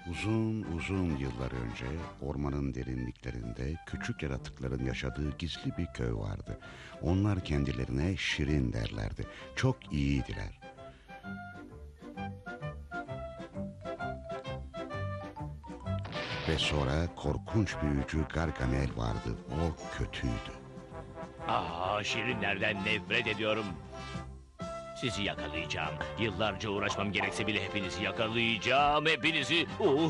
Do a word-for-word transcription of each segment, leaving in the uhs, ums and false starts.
Uzun uzun yıllar önce ormanın derinliklerinde küçük yaratıkların yaşadığı gizli bir köy vardı. Onlar kendilerine Şirin derlerdi. Çok iyiydiler. Ve sonra korkunç büyücü Gargamel vardı. O kötüydü. Aa, şirinlerden nefret ediyorum. Sizi yakalayacağım. Yıllarca uğraşmam gerekse bile hepinizi yakalayacağım. Hepinizi...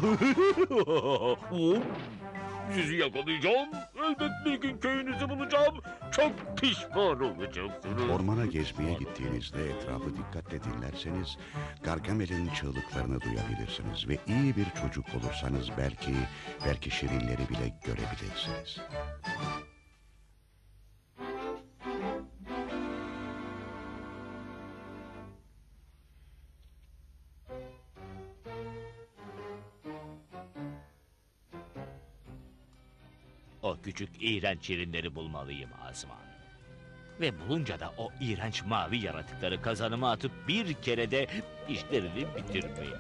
Sizi yakalayacağım. Elbet bir gün köyünüzü bulacağım. Çok pişman olacaksınız. Ormana gezmeye gittiğinizde etrafı dikkatle dinlerseniz Gargamel'in çığlıklarını duyabilirsiniz ve iyi bir çocuk olursanız belki belki şirinleri bile görebilirsiniz. O küçük iğrenç şirinleri bulmalıyım Azman. Ve bulunca da o iğrenç mavi yaratıkları kazanıma atıp bir kerede işlerini bitirmeliyim.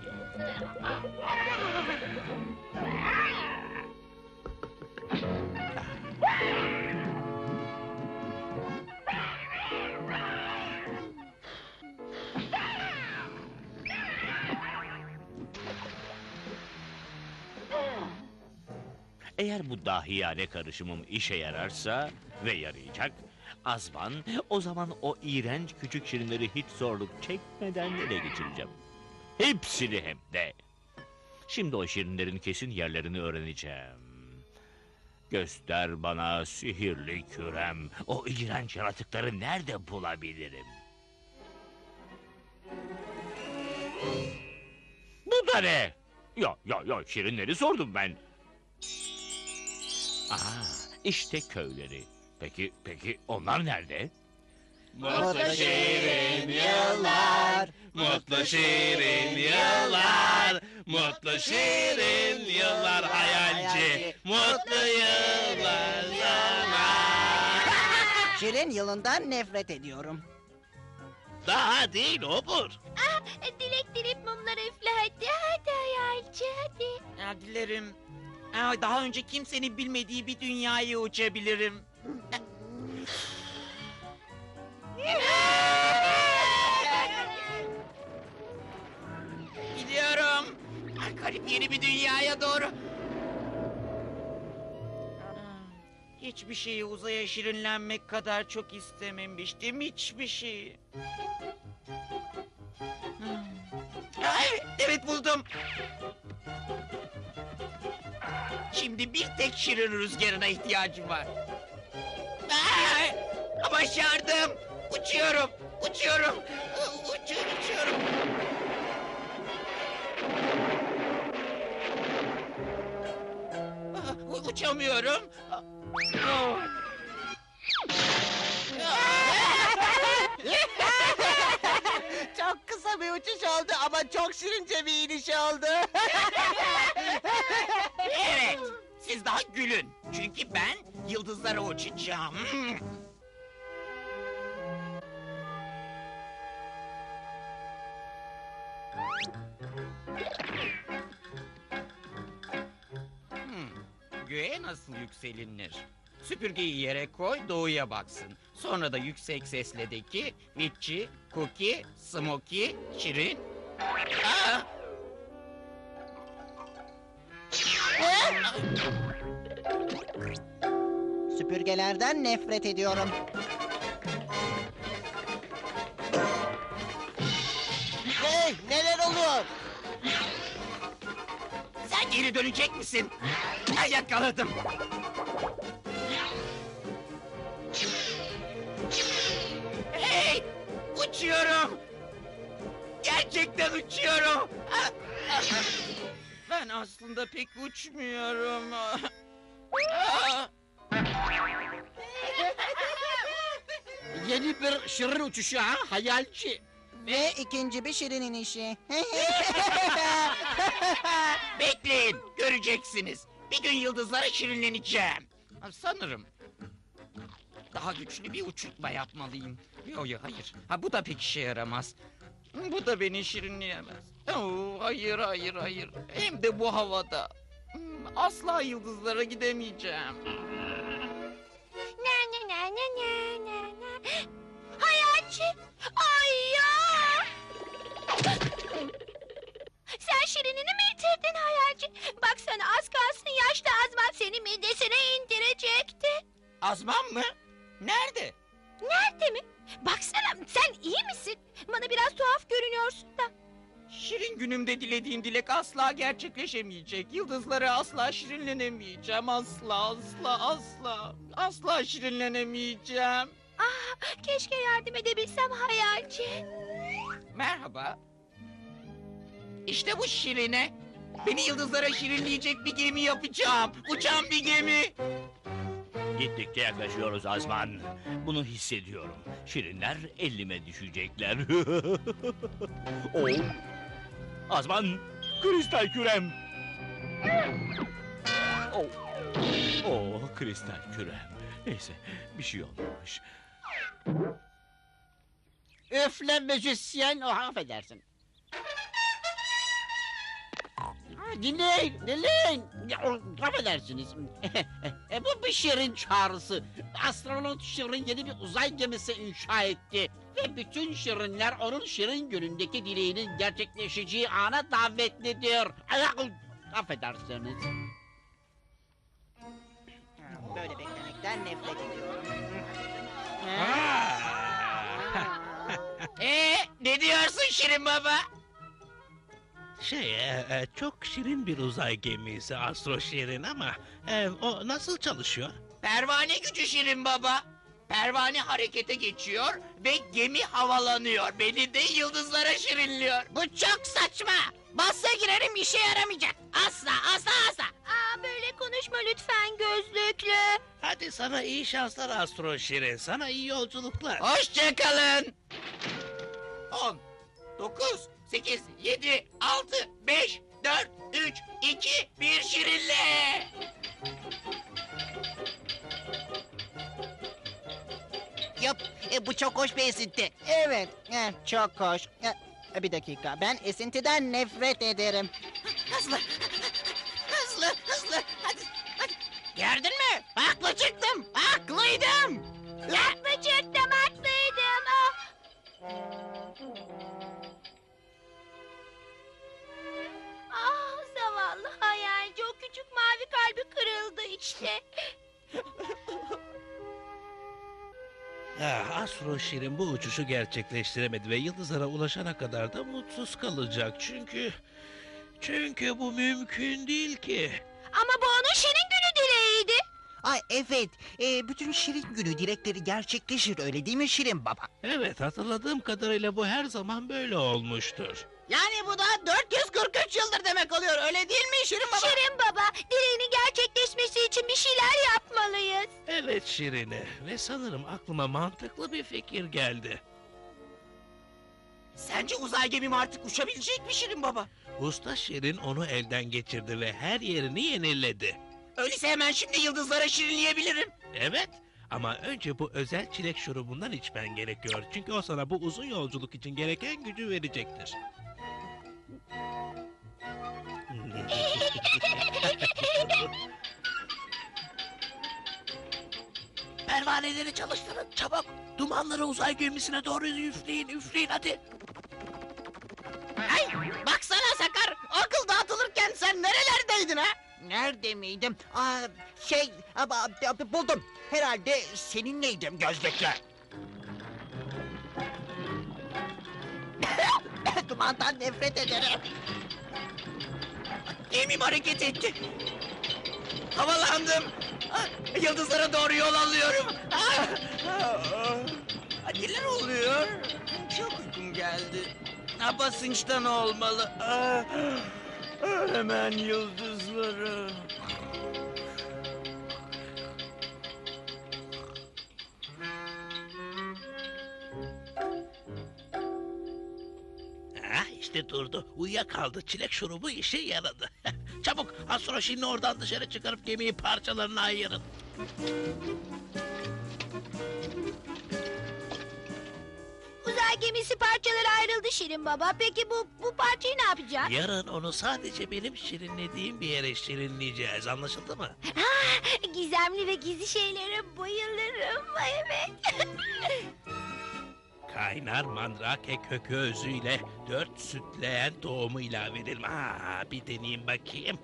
Eğer bu dahiyane karışımım işe yararsa ve yarayacak, Azman, o zaman o iğrenç küçük şirinleri hiç zorluk çekmeden ele geçireceğim. Hepsini hem de. Şimdi o şirinlerin kesin yerlerini öğreneceğim. Göster bana sihirli kürem, o iğrenç yaratıkları nerede bulabilirim? Bu da ne? Ya ya ya şirinleri sordum ben. Aa, işte köyleri. Peki, peki onlar nerede? Mutlu şirin yıllar, mutlu şirin yıllar, mutlu şirin yıllar hayalci, mutlu yıllar sana. Şirin yılından nefret ediyorum. Daha değil obur. Ah, dilek dilip mumları üfle hadi, hadi hayalci hadi. Ya, dilerim. Aa, daha önce kimsenin bilmediği bir dünyaya uçabilirim. Gidiyorum. Ah, garip yeni bir dünyaya doğru. Aa, hiçbir şeyi uzaya şirinlenmek kadar çok istememiştim. Hiçbir şeyi. Aa, evet, evet buldum. Şimdi bir tek şirin rüzgarına ihtiyacım var. Aa, başardım. Uçuyorum, uçuyorum. Uçuyorum, uçuyorum. Aa, uçamıyorum. Aa. Çok kısa bir uçuş oldu ama çok şirince bir iniş oldu. Evet, siz daha gülün. Çünkü ben yıldızlara uçacağım. Hmm, göğe nasıl yükselilir? Süpürgeyi yere koy, doğuya baksın. Sonra da yüksek sesle de ki, Vitçi, Cookie, Smokey, Şirin. Aa! Süpürgelerden nefret ediyorum. Hey, neler oluyor? Sen geri dönecek misin? Ha, yakaladım. Hey! Uçuyorum! Gerçekten uçuyorum! Ah, ah. Ben aslında pek uçmuyorum. Ah. Yeni bir şirin uçuşu ha hayalci. Ve ikinci bir şirin inişi. Bekleyin, göreceksiniz. Bir gün yıldızlara şirinleneceğim. Ha, sanırım. Daha güçlü bir uçurtma yapmalıyım. Yok yok hayır. Ha, bu da pek işe yaramaz. Bu da beni şirinleyemez. Oo, hayır hayır hayır. Hem de bu havada. Hmm, Asla yıldızlara gidemeyeceğim. Na na na na na na na. Hayalci. Ay ya. Sen şirinini mi yitirdin Hayalci? Baksana az kalsın yaşlı Azman seni midesine indirecekti. Azman mı? Nerede? Nerede mi? Baksana sen iyi misin? Bana biraz tuhaf görünüyorsun da. Şirin günümde dilediğim dilek asla gerçekleşemeyecek. Yıldızlara asla şirinlenemeyeceğim. Asla asla asla. Asla şirinlenemeyeceğim. Ah, keşke yardım edebilsem Hayalci. Merhaba. İşte bu Şirine. Beni yıldızlara şirinleyecek bir gemi yapacağım. Uçan bir gemi. Gittikçe yaklaşıyoruz Azman. Bunu hissediyorum. Şirinler elime düşecekler. Oh. Azman, kristal kürem. Oh. Oh, kristal kürem. Neyse, bir şey olmamış. Üfle müzisyen, o affedersin. Ha, dinleyin, dinleyin. Ya, o, affedersiniz. e, bu bir şirin çağrısı. Astronot Şirin yeni bir uzay gemisi inşa etti. Ve bütün şirinler onun şirin günündeki dileğinin gerçekleşeceği ana davetlidir. Ay, affedersiniz. Böyle beklemekten nefret ediyorum. Ee, ne diyorsun Şirin Baba? Şey, e, e, çok şirin bir uzay gemisi Astro Şirin ama e, o nasıl çalışıyor? Pervane gücü Şirin Baba. Pervane harekete geçiyor ve gemi havalanıyor. Beni de yıldızlara şirinliyor. Bu çok saçma. Bahse girerim işe yaramayacak. Asla, asla, asla. Aa, böyle konuşma lütfen gözlüklü. Hadi sana iyi şanslar Astro Şirin, sana iyi yolculuklar. Hoşçakalın. On, dokuz, sekiz, yedi, altı, beş, dört, üç, iki, bir şirinle. Yap, e, bu çok hoş bir esinti. Evet, e, çok hoş. E, bir dakika, ben esintiden nefret ederim. Hızlı, hızlı, hızlı. Hadi, hadi. Gördün mü? Haklı çıktım. Haklıydım. Haklı çıktım haklıydım. Ah. Ah, zavallı Hayalci, o küçük mavi kalbi kırıldı işte. Ah, Astro Şirin bu uçuşu gerçekleştiremedi ve yıldızlara ulaşana kadar da mutsuz kalacak çünkü... Çünkü bu mümkün değil ki. Ama bu onun şirin günü dileğiydi. Ay evet, e, bütün Şirin günü dilekleri gerçekleşir öyle değil mi Şirin Baba? Evet, hatırladığım kadarıyla bu her zaman böyle olmuştur. Yani bu da dört yüz kırk üç yıldır demek oluyor. Öyle değil mi Şirin Baba? Şirin baba, dileğinin gerçekleşmesi için bir şeyler yapmalıyız. Evet Şirine ve sanırım aklıma mantıklı bir fikir geldi. Sence uzay gemim artık uçabilecek mi Şirin Baba? Usta Şirin onu elden geçirdi ve her yerini yeniledi. Öyleyse hemen şimdi yıldızlara şirinleyebilirim. Evet ama önce bu özel çilek şurubundan içmen gerekiyor. Çünkü o sana bu uzun yolculuk için gereken gücü verecektir. Pervaneleri çalıştırın çabuk. Dumanları uzay gemisine doğru üfleyin üfleyin hadi. Ay, baksana Sakar. Akıl dağıtılırken sen nerelerdeydin ha? Nerede miydim? Aa, şey, ama, abi, buldum. Herhalde seninleydim gözlüklü. Dumandan nefret ederim. Gemim hareket etti. Havalandım. Ah, Yıldızlara doğru yol alıyorum. Ah, ah, ah. Neler oluyor? Çok uykum geldi. Ha, basınçtan olmalı. Ah, ah, hemen yıldızlara. Ah işte durdu. Uyuyakaldı. Çilek şurubu işe yaradı. Çabuk Astro Şirin'i oradan dışarı çıkarıp gemiyi parçalarına ayırın. Uzay uzay gemisi parçalara ayrıldı Şirin Baba. Peki bu bu parçayı ne yapacağız? Yarın onu sadece benim şirinlediğim bir yere şirinleyeceğiz. Anlaşıldı mı? Ah, gizemli ve gizli şeylere bayılırım. Evet. Kaynar mandrake kökü özüyle dört sütleyen tohumu ilave edelim. Aa, bir deneyeyim bakayım.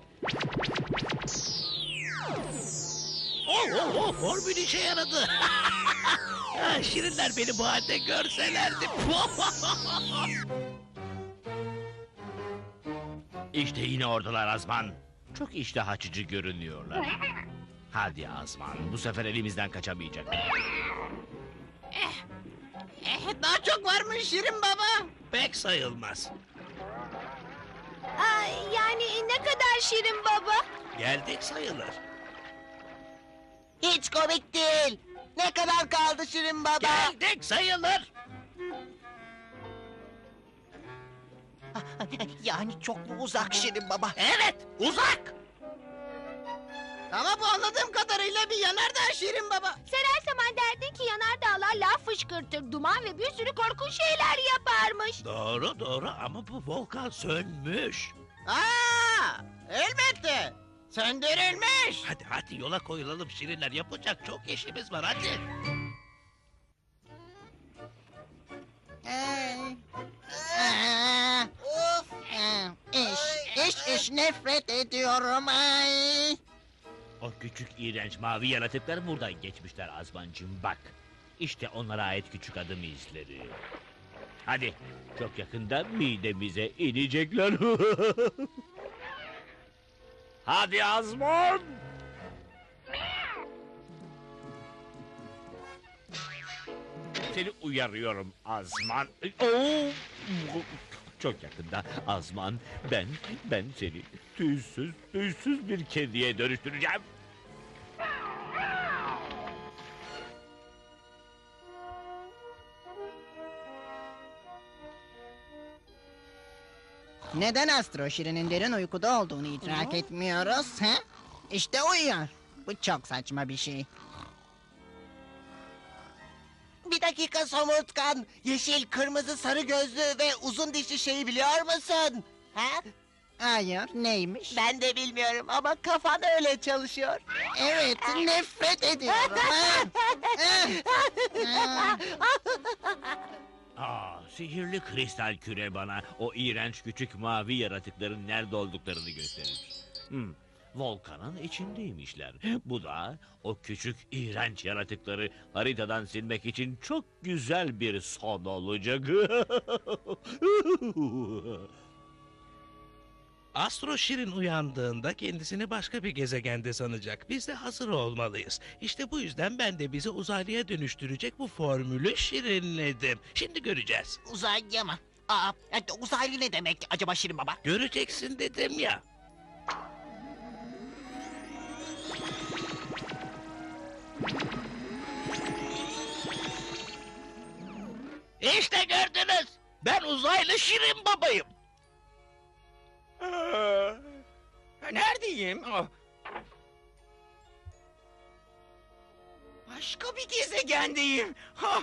Oh, oh, oh, formül işe yaradı. Ha, şirinler beni bu halde görselerdi. İşte yine oradalar Azman. Çok iştah açıcı görünüyorlar. Hadi Azman, bu sefer elimizden kaçamayacak. Eh, daha çok varmış Şirin Baba. Pek sayılmaz. Ay, yani ne kadar Şirin Baba? Geldik sayılır. Hiç komik değil. Ne kadar kaldı Şirin Baba? Geldik sayılır. Yani çok mu uzak Şirin Baba? Evet, uzak. Ama bu anladığım kadarıyla bir yanardağ Şirin Baba. Sen her zaman derdin ki yanardağlar laf fışkırtır, duman ve bir sürü korkunç şeyler yaparmış. Doğru doğru ama bu volkan sönmüş. Aa, elbette. Söndürülmüş. Hadi hadi yola koyulalım şirinler. Yapacak çok işimiz var hadi. Ay. Aa, of. Aa, İş, iş, iş nefret ediyorum ay. O küçük iğrenç mavi yaratıklar buradan geçmişler Azmancığım bak. İşte onlara ait küçük adım izleri. Hadi çok yakında midemize inecekler. Hadi Azman. Seni uyarıyorum Azman. Oo! Çok yakında Azman ben ben seni tüysüz tüysüz bir kediye dönüştüreceğim. Neden Astro Şirin'in derin uykuda olduğunu idrak etmiyoruz? Ha? İşte uyuyor. Bu çok saçma bir şey. Bir dakika Somurtkan. Yeşil, kırmızı, sarı gözlü ve uzun dişli şeyi biliyor musun? Ha? Hayır, neymiş? Ben de bilmiyorum ama kafan öyle çalışıyor. Evet, nefret ediyorum. ha? Ha? Aa, sihirli kristal küre bana o iğrenç küçük mavi yaratıkların nerede olduklarını gösterir. Hmm, volkanın içindeymişler. Bu da o küçük iğrenç yaratıkları haritadan silmek için çok güzel bir son olacak. Astro Şirin uyandığında kendisini başka bir gezegende sanacak. Biz de hazır olmalıyız. İşte bu yüzden ben de bizi uzaylıya dönüştürecek bu formülü şirinledim. Şimdi göreceğiz. Uzaylı mı? Aa, e, uzaylı ne demek acaba Şirin Baba? Göreceksin dedim ya. İşte gördünüz. Ben uzaylı Şirin babayım. Aa, neredeyim? Oh. Başka bir gezegendeyim. Ha.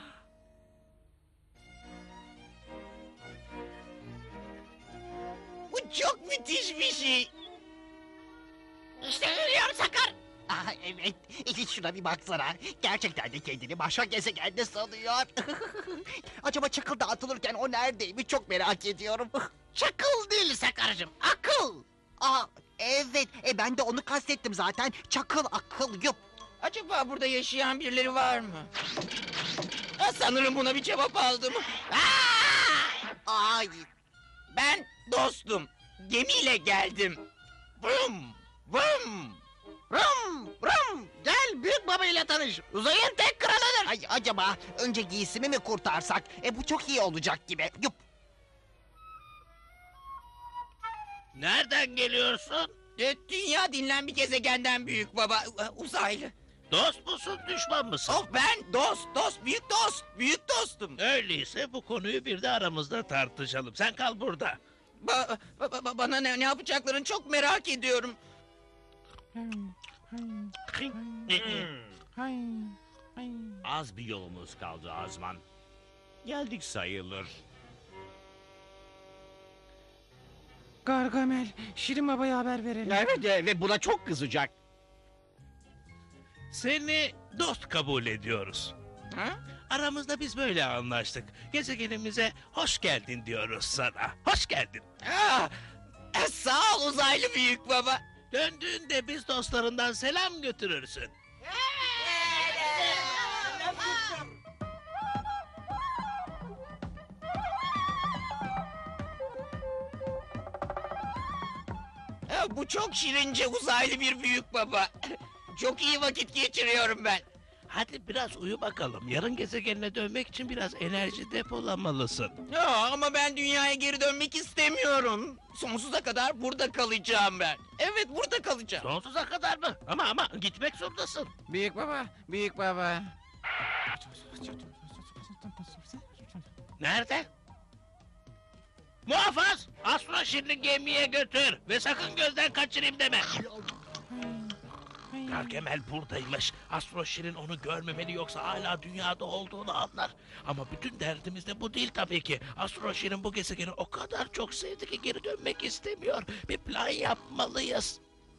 Bu çok müthiş bir şey. İşte görüyorum Sakar. Aa, evet, e, şuna bir baksana. Gerçekten de kendini başka gezegende sanıyor. Acaba çakıl dağıtılırken o neredeymiş çok merak ediyorum. Çakıl değil Sakar'cığım, akıl. Aa, evet, e, ben de onu kastettim zaten. Çakıl, akıl, yup. Acaba burada yaşayan birileri var mı? Ha, sanırım buna bir cevap aldım. Aa! Ay, Ben dostum. Gemiyle geldim. Vım, vım. Rum rum gel büyük baba ile tanış. Uzayın tek kralıdır. ay, acaba önce giysimi mi kurtarsak? E, bu çok iyi olacak gibi. Yup. Nereden geliyorsun? E, Dünya denilen bir gezegenden büyük baba. e, Uzaylı. Dost musun, düşman mısın? Oh ben dost, dost, büyük dost, büyük dostum. Öyleyse bu konuyu bir de aramızda tartışalım. Sen kal burada. Ba- ba- ba- bana ne, ne yapacaklarını çok merak ediyorum. Az bir yolumuz kaldı Azman. geldik sayılır. Gargamel, Şirin Baba'ya haber verelim. Evet e, ve buna çok kızacak. Seni dost kabul ediyoruz. Ha? Aramızda biz böyle anlaştık. Gezegenimize hoş geldin diyoruz sana. Hoş geldin. Aa, e, sağ ol uzaylı büyük baba. Döndüğünde biz dostlarından selam götürürsün. Ha, bu çok şirince uzaylı bir büyük baba. Çok iyi vakit geçiriyorum ben. Hadi biraz uyu bakalım. Yarın gezegenine dönmek için biraz enerji depolamalısın. Ya, ama ben dünyaya geri dönmek istemiyorum. Sonsuza kadar burada kalacağım ben. Evet, burada kalacağım. Sonsuza kadar mı? Ama ama gitmek zorundasın. Büyük baba, büyük baba. Nerede? Muhafız! Astro Şirin'i gemiye götür ve sakın gözden kaçırayım deme. Gargamel buradaymış. Astro Şirin onu görmemeli yoksa hala dünyada olduğunu anlar. Ama bütün derdimiz de bu değil tabii ki. Astro Şirin bu gezegeni o kadar çok sevdi ki geri dönmek istemiyor. Bir plan yapmalıyız.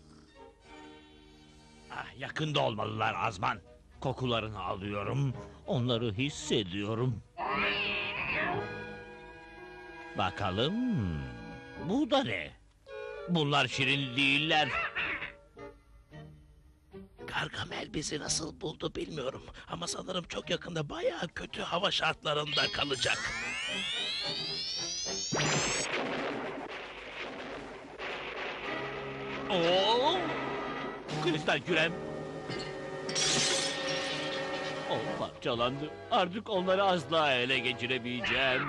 Ah, yakında olmalılar Azman. Kokularını alıyorum. Onları hissediyorum. Bakalım. Bu da ne? Bunlar şirin değiller. Gargamel bizi nasıl buldu bilmiyorum. Ama sanırım çok yakında bayağı kötü hava şartlarında kalacak. Oo! Kristal kürem. O parçalandı. Artık onları asla ele geçiremeyeceğim.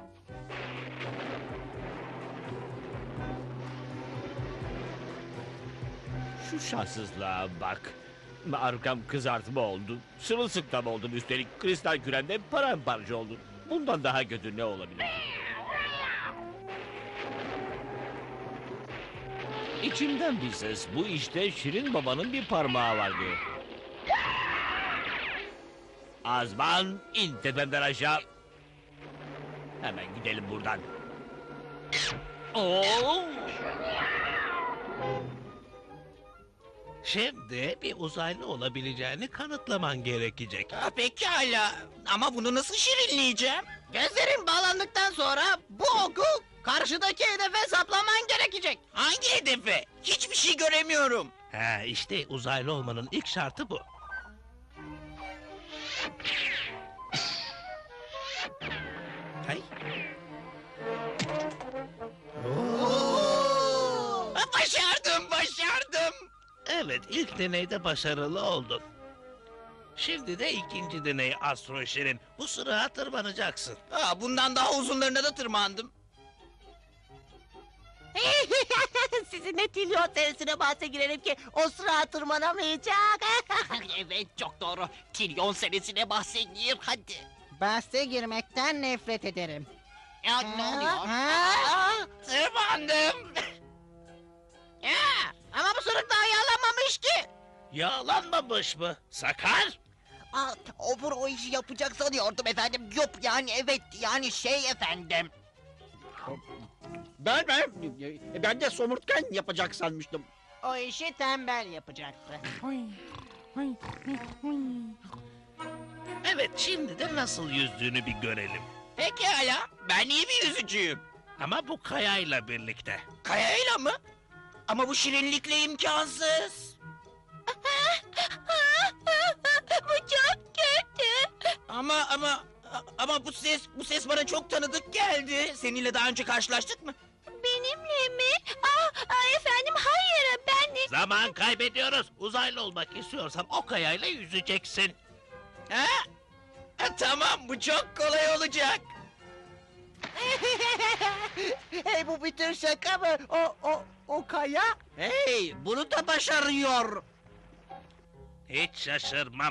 Şu şanssızlığa bak. Arkam kızartma oldu. Sırılsıklam oldum üstelik. Kristal küremde paramparça oldu. Bundan daha kötü ne olabilir? İçimden bir ses. Bu işte Şirin Baba'nın bir parmağı var diyor. Azman, in tepemden aşağı. Hemen gidelim buradan. Oo! Şimdi bir uzaylı olabileceğini kanıtlaman gerekecek. Ha, pekala. Ama bunu nasıl şirinleyeceğim? Gözlerin bağlandıktan sonra bu oku karşıdaki hedefe saplaman gerekecek. Hangi hedefe? Hiçbir şey göremiyorum. Ha, işte uzaylı olmanın ilk şartı bu. Hay. Ha, başardım, başardım. Evet, ilk deneyde başarılı oldun. Şimdi de ikinci deney Astro Şirin. Bu sıraya tırmanacaksın. Ha, bundan daha uzunlarına da tırmandım. Sizinle Tilyon senesine bahse girelim ki o sıra tırmanamayacak. Evet çok doğru. Trilyon senesine bahsediyor hadi. Bahse girmekten nefret ederim. Ya ne oluyor? Ha? Tırmandım. Ya, ama bu sırık daha yağlanmamış ki. Yağlanmamış mı? Sakar! Aa, Obur o işi yapacak sanıyordum efendim. Yok yani evet yani şey efendim. Ben ben ben de somurtkan yapacak sanmıştım. O işi tembel yapacaktı. Evet, şimdi de nasıl yüzdüğünü bir görelim. Pekala, ben iyi bir yüzücüyüm. Ama bu kayayla birlikte. Kayayla mı? Ama bu şirinlikle imkansız. Bu çok kötü. Ama ama ama bu ses bu ses bana çok tanıdık geldi. Seninle daha önce karşılaştık mı? Benimle mi? Aa, aa, efendim hayır ben de... Zaman kaybediyoruz. Uzaylı olmak istiyorsan o kayayla yüzeceksin. Ha? Ha, tamam bu çok kolay olacak. Hey bu bir tür şaka mı? O, o, o kaya? Hey, bunu da başarıyor. Hiç şaşırmam.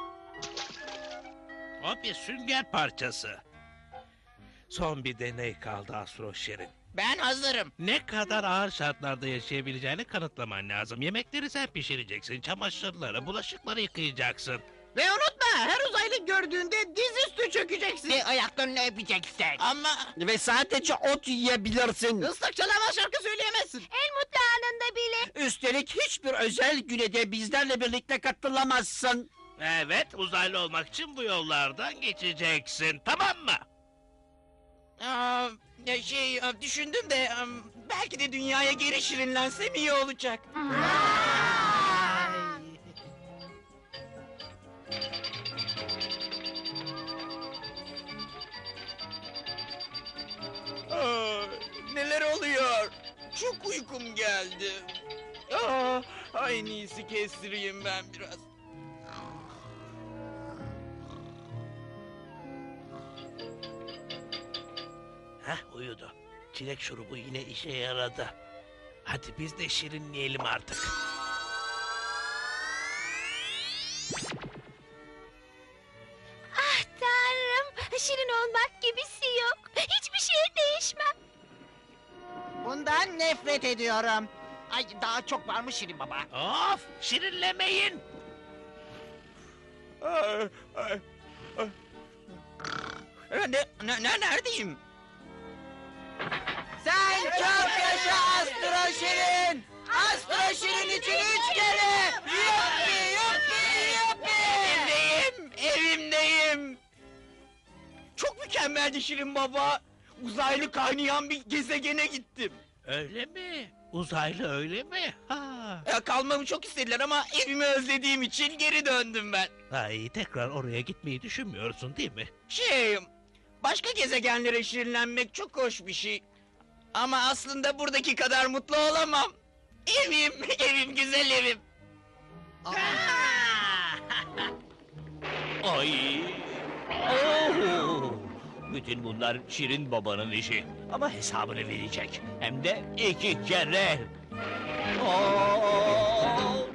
O bir sünger parçası. Son bir deney kaldı Astro Şirin. Ben hazırım. Ne kadar ağır şartlarda yaşayabileceğini kanıtlaman lazım. Yemekleri sen pişireceksin, çamaşırları, bulaşıkları yıkayacaksın. Ve unutma, her uzaylı gördüğünde dizüstü çökeceksin. Ve ayaklarını öpeceksin. Ama Ve sadece ot yiyebilirsin. Islak çalama şarkı söyleyemezsin. En mutlu anında bile. Üstelik hiçbir özel güne de bizlerle birlikte katılamazsın. Evet, uzaylı olmak için bu yollardan geçeceksin, tamam mı? aa, ya şey aa, düşündüm de aa, belki de dünyaya geri şirinlensem iyi olacak. Aa, neler oluyor? Çok uykum geldi. Aa, en iyisi kestireyim ben biraz. Heh, uyudu. Çilek şurubu yine işe yaradı. Hadi biz de şirinleyelim artık. Ah tanrım. Şirin olmak gibisi yok. Hiçbir şeye değişmem. Bundan nefret ediyorum. Ay daha çok varmış Şirin Baba. Of, şirinlemeyin. Aa, aa, aa. Ne, ne, ne, neredeyim? Sen çok yaşa Astro Şirin. Astro Şirin için üç kere. Yuppi yuppi yuppi. Evimdeyim, evimdeyim. Çok mükemmeldi Şirin Baba. Uzaylı kaynayan bir gezegene gittim. Öyle mi? Uzaylı öyle mi? Ha. Ya, kalmamı çok istediler ama evimi özlediğim için geri döndüm ben. Ay, tekrar oraya gitmeyi düşünmüyorsun değil mi? Şey, başka gezegenlere şirinlenmek çok hoş bir şey. Ama aslında buradaki kadar mutlu olamam. Evim, evim, güzel evim. Ay. Oo. Bütün bunlar Şirin babanın işi. Ama hesabını verecek. Hem de iki kere. Oo.